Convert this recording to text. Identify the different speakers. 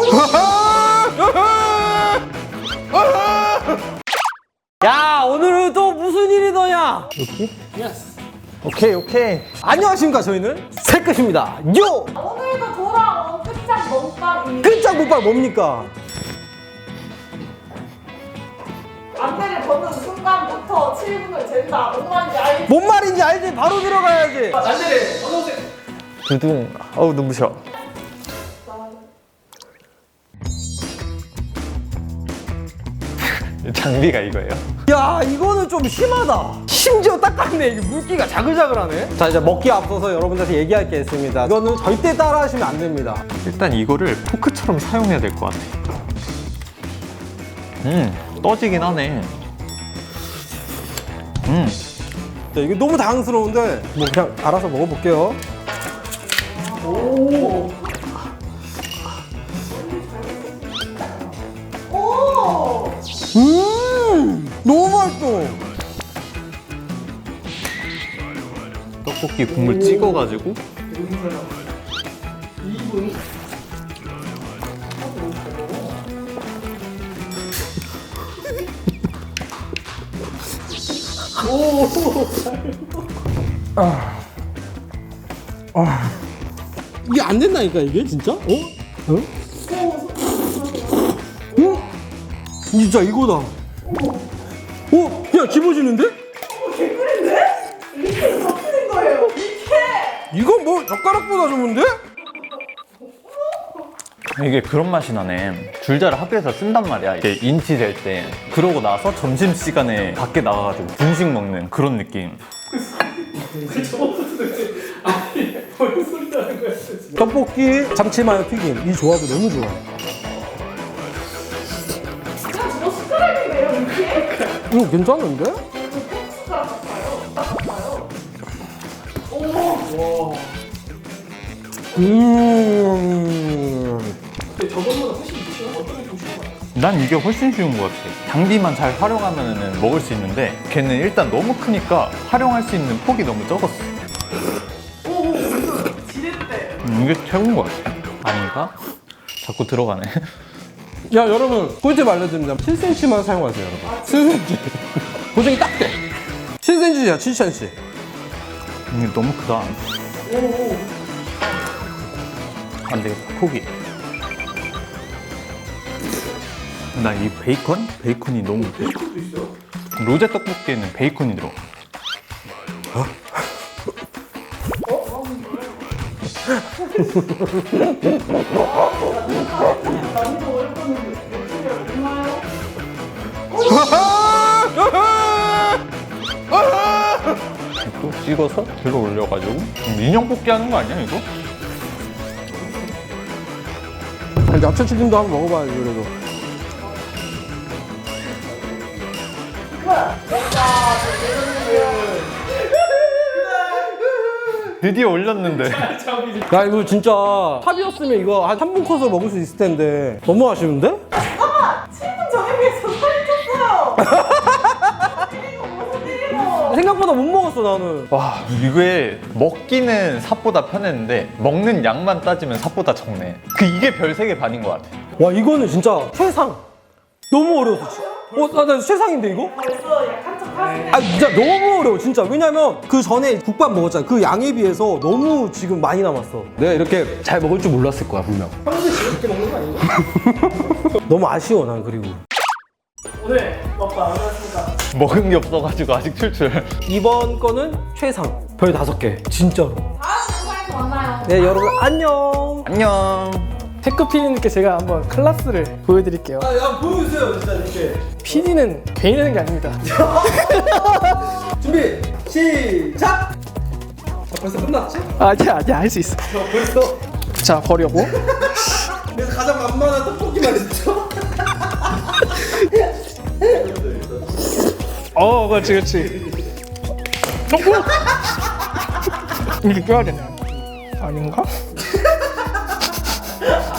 Speaker 1: 야, 오늘은 또 무슨 일이 너냐?
Speaker 2: 이렇게?
Speaker 1: 예스.
Speaker 2: 오케이.
Speaker 1: 안녕하십니까, 저희는 새끝입니다. 요!
Speaker 3: 오늘도 돌아온 끝장 먹방입니다.
Speaker 1: 끝장 못발 뭡니까?
Speaker 3: 안대를 벗는 순간부터 7분을 잰다. 뭔 말인지 알지?
Speaker 1: 뭔 말인지 알지? 바로 들어가야지.
Speaker 2: 두둥. 어우 눈부셔. 장비가 이거예요?
Speaker 1: 야, 이거는 좀 심하다. 심지어 닦았네. 이게 물기가 자글자글하네. 자, 이제 먹기 앞서서 여러분들한테 얘기할 게 있습니다. 이거는 절대 따라 하시면 안 됩니다.
Speaker 2: 일단 이거를 포크처럼 사용해야 될 것 같아. 떠지긴 하네.
Speaker 1: 자, 이게 너무 당황스러운데 뭐 그냥 알아서 먹어볼게요.
Speaker 3: 오!
Speaker 1: 너무 맛있어.
Speaker 2: 떡볶이 국물 찍어가지고.
Speaker 1: 이게 안 된다니까 이게 진짜? 어? 어? 진짜 이거다. 어? 야, 집어지는데?
Speaker 3: 개꿀인데? 이렇게 덮는 거예요. 이렇게!
Speaker 1: 이건 뭐 젓가락보다 좋은데?
Speaker 2: 이게 그런 맛이 나네. 줄자를 학교에서 쓴단 말이야. 이게 인치 될 때. 그러고 나서 점심시간에 밖에 나가가지고 분식 먹는 그런 느낌.
Speaker 1: 떡볶이, 참치마요 튀김. 이 조합이 너무 좋아.
Speaker 3: 그냥 저거 숟가락이네요, 이렇게?
Speaker 1: 이거 괜찮은데?
Speaker 3: 숟가락 같아요. 오!
Speaker 2: 난 이게 훨씬 쉬운 것 같아. 장비만 잘 활용하면 먹을 수 있는데 걔는 일단 너무 크니까 활용할 수 있는 폭이 너무 적었어.
Speaker 3: 오! 지렛대.
Speaker 2: 이게 최고인 것 같아. 아닌가? 자꾸 들어가네.
Speaker 1: 야, 여러분 꿀팁 알려드립니다. 7cm만 사용하세요, 여러분. 7cm. 고정이 딱 돼. 7cm야, 7cm.
Speaker 2: 이게 너무 크다. 안 되겠다. 포기. 나 이 베이컨? 베이컨이 너무. 베이컨도 있어요? 로제 떡볶이에는 베이컨이 들어. 이거 찍어서 들어 올려가지고 인형 뽑기 하는 거 아니야 이거?
Speaker 1: 야채 튀김도 한번 먹어봐야지, 그래도.
Speaker 2: 드디어 올렸는데.
Speaker 1: 야, 이거 진짜 탑이었으면 이거 한 3분 컷으로 먹을 수 있을 텐데 너무 아쉬운데?
Speaker 3: 잠깐만! 7분 전에 비해서 살이 쪘어요! 무슨 일이고!
Speaker 1: 생각보다 못 먹었어, 나는.
Speaker 2: 와 이게 먹기는 삽보다 편했는데 먹는 양만 따지면 삽보다 적네. 이게 별 3개 반인 것 같아.
Speaker 1: 와, 이거는 진짜 최상. 너무 어려웠어. 나 최상인데 이거?
Speaker 3: 벌써 약한 척 하시네.
Speaker 1: 아, 진짜 너무 어려워, 진짜. 왜냐면 그 전에 국밥 먹었잖아. 그 양에 비해서 너무 지금 많이 남았어. 내가 이렇게 잘 먹을 줄 몰랐을 거야, 분명. 평소에 이렇게 먹는 거 아닌가? 너무 아쉬워, 난 그리고.
Speaker 3: 오늘 먹방 어떠셨습니까?
Speaker 2: 먹은 게 없어가지고 아직 출출.
Speaker 1: 이번 거는 최상. 별 5개, 진짜로.
Speaker 3: 다음 영상에서 만나요.
Speaker 1: 네, 여러분, 안녕.
Speaker 2: 안녕.
Speaker 4: 태크 PD님께 제가 한번 클래스를 보여드릴게요.
Speaker 1: 야, 보여주세요, 진짜 이렇게.
Speaker 4: PD는 괜히 되는 게 아닙니다.
Speaker 1: 준비, 시작! 자, 벌써 끝났지?
Speaker 4: 아니야, 할 수 있어.
Speaker 1: 벌써.
Speaker 4: 자, 버려고.
Speaker 1: 내가 가장 만만한 떡볶이만 있죠?
Speaker 4: 그렇지. 이렇게 껴야 되나? 아닌가?